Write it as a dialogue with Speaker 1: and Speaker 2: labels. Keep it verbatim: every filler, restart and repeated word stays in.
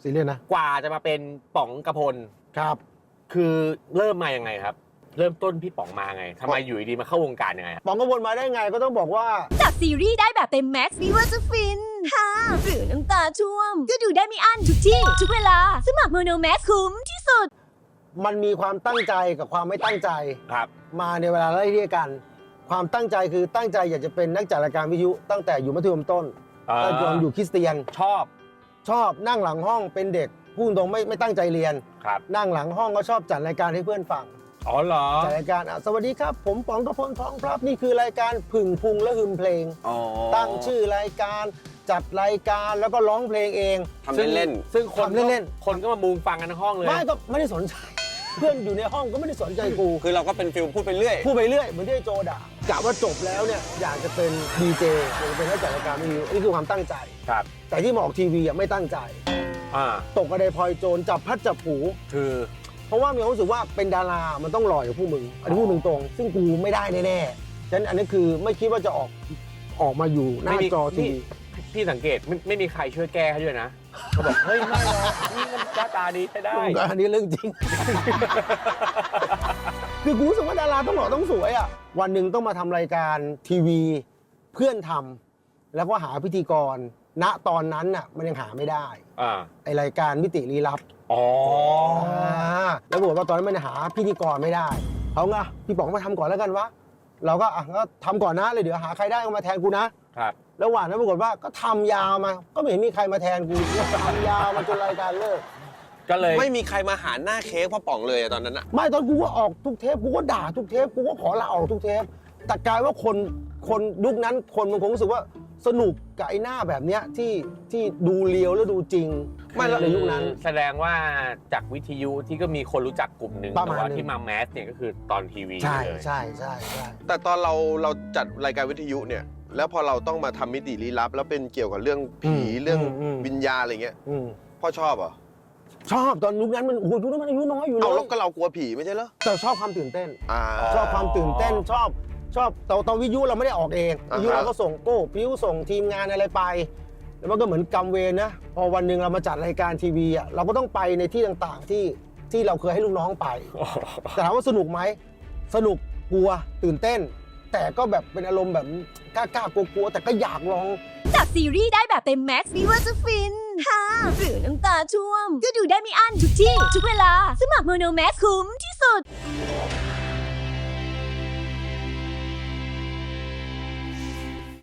Speaker 1: ซีเรียสนะ
Speaker 2: กว่าจะมาเป็นป๋องกระพล
Speaker 1: ครับ
Speaker 2: คือเริ่มมายังไงครับเริ่มต้นพี่ป๋องมาไงทำไมอยู่ดีมาเข้าวงการยังไง
Speaker 1: ป๋องกระพลมาได้ไงก็ต้องบอกว่า
Speaker 3: จากซีรีส์ได้แบบเต็มแม็กซ์ไม่ว่าจะฟินฮ่าหรือน้ำตาท่วมก็ดูได้ไม่อั้นทุกที่ทุกเวลาสมัครโมโนแม็กซ์คุ้มที่สุด
Speaker 1: มันมีความตั้งใจกับความไม่ตั้งใจ
Speaker 2: ครับ
Speaker 1: มาในเวลาไล่เรียกกันความตั้งใจคือตั้งใจอยากจะเป็นนักจัดรายการวิทยุตั้งแต่อยู่มัธยมต้นตั้งแต่อยู่คริสเตียน
Speaker 2: ชอบ
Speaker 1: ชอบนั่งหลังห้องเป็นเด็กพูดตรงไม่ไม่ตั้งใจเรียน
Speaker 2: ครับ
Speaker 1: นั่งหลังห้องก็ชอบจัดรายการให้เพื่อนฟัง
Speaker 2: อ๋อเหรอ
Speaker 1: จัดรายการสวัสดีครับผมป๋องกระพลทองพลับนี่คือรายการผึ่งพุงและหึมเพลงตั้งชื่อรายการจัดรายการแล้วก็ร้องเพลงเอง
Speaker 4: ทำเล่น
Speaker 2: ๆซึ่งคน
Speaker 1: เล่น
Speaker 2: ๆคนก็มามุงฟังกันทั้งห้องเลย
Speaker 1: ไม่ก็ไม่ได้สนใจเพื่อนอยู่ในห้องก็ไม่ได้สนใจกู
Speaker 4: คือเราก็เป็นฟิลพูดไปเรื่อย
Speaker 1: พูดไปเรื่อยเหมือนที่โจด่ากะว่าจบแล้วเนี่ยอยากจะเป็นดีเจอยากจะเป็นนักจัดรายการวิทยุนี่คือความตั้งใจ
Speaker 2: ครับ
Speaker 1: แต่ที่มาออกทีวีอ่ะไม่ตั้งใจ
Speaker 2: อ่า
Speaker 1: ตกกระไดพลอยโจรจับพัดจับผู
Speaker 2: คือ
Speaker 1: เพราะว่ามีความรู้สึกว่าเป็นดารามันต้องหล่ออย่างพวกมึงอันนี้พูดตรงๆซึ่งกูไม่ได้แน่ๆฉะนั้นอันนี้คือไม่คิดว่าจะออกออกมาอยู่หน้าจอทีวี
Speaker 2: พี่สังเกตไม่ไม่มีใครช่วยแก้ให้ด้วยนะเขาบอกเฮ้ยไม่หรอกนี่มันหน้าตาดีใช้ได้
Speaker 1: อันนี้เรื่องจริง คือกูรู้สึกว่าดาราต้องหล่อต้องสวยอ่ะวันหนึ่งต้องมาทำรายการทีวีเพื่อนทำแล้วก็หาพิธีกรณตอนนั้นน่ะมันยังหาไม่ได้
Speaker 2: อ่า
Speaker 1: ไอรายการมิติลี้ลับ
Speaker 2: อ๋อ
Speaker 1: แล้วบอกว่าตอนนั้นมันหาพิธีกรไม่ได้เขาไงพี่ป๋องมาทำก่อนแล้วกันวะเราก็อ่ะก็ทำก่อนนะเลยเดี๋ยวหาใครได้ก็มาแทนกูนะครับแล้วหวานนั้นปรากฏว่าก็ทำยาวมาก็ไม่เห็นมีใครมาแทนกูทำยาวมาจนรายการเลิก
Speaker 2: ก็เลย
Speaker 4: ไม่มีใครมาหาหน้าเค้กพ่อป๋องเลยตอนนั้นอะ
Speaker 1: ไม่ตอนกูก็ออกทุกเทปกูก็ด่าทุกเทปกูก็ขอลาออกทุกเทปแต่กลายว่าคนคนยุคนั้นคนมันคงรู้สึกว่าสนุกกับไอ้หน้าแบบเนี้ยที่ที่ดูเลียวแล้วดูจริง
Speaker 2: ไม่ในยุคนั้นแสดงว่าจากวิทยุที่ก็มีคนรู้จักกลุ่มหนึ่งแต่ว่าที่มาแมสเนี่ยก็คือตอนทีวี
Speaker 1: ใช่ใช่ใช่ใช่
Speaker 4: แต่ตอนเราเราจัดรายการวิทยุเนี่ยแล้วพอเราต้องมาทำมิติลี้ลับแล้วเป็นเกี่ยวกับเรื่องผีเรื่องวิญญาณอะไรเงี้ยพ่อชอบเหรอ
Speaker 1: ชอบตอนยุคนั้นมันโอ้โหยุคนั้นมันอายุน้อยอยู่เลย
Speaker 4: เอาแล้วก็เรากลัวผีไม่ใช่เหรอ
Speaker 1: แต่ชอบความตื่นเต้นชอบความตื่นเต้นชอบชอบตอนตอนวิทยุเราไม่ได้ออกเองวิทยุเราก็ส่งโก้พิ้วส่งทีมงานอะไรไปแล้วมันก็เหมือนกรรมเวรนะพอวันหนึ่งเรามาจัดรายการทีวีอ่ะเราก็ต้องไปในที่ต่างๆที่ที่เราเคยให้ลูกน้องไปแต่ถามว่าสนุกไหมสนุกกลัวตื่นเต้นแต่ก็แบบเป็นอารมณ์แบบกล้าๆกลัวๆแต่ก็อยากลอง
Speaker 3: จากซีรีส์ได้แบบเต็มแม็กซ์ไม่ว่าจะฟินฮ่าหรือน้ำตาท่วมก็ดูได้ไม่อั้นทุกที่ทุกเวลาสมัครโมโนแม็กซ์คุ้มที่สุด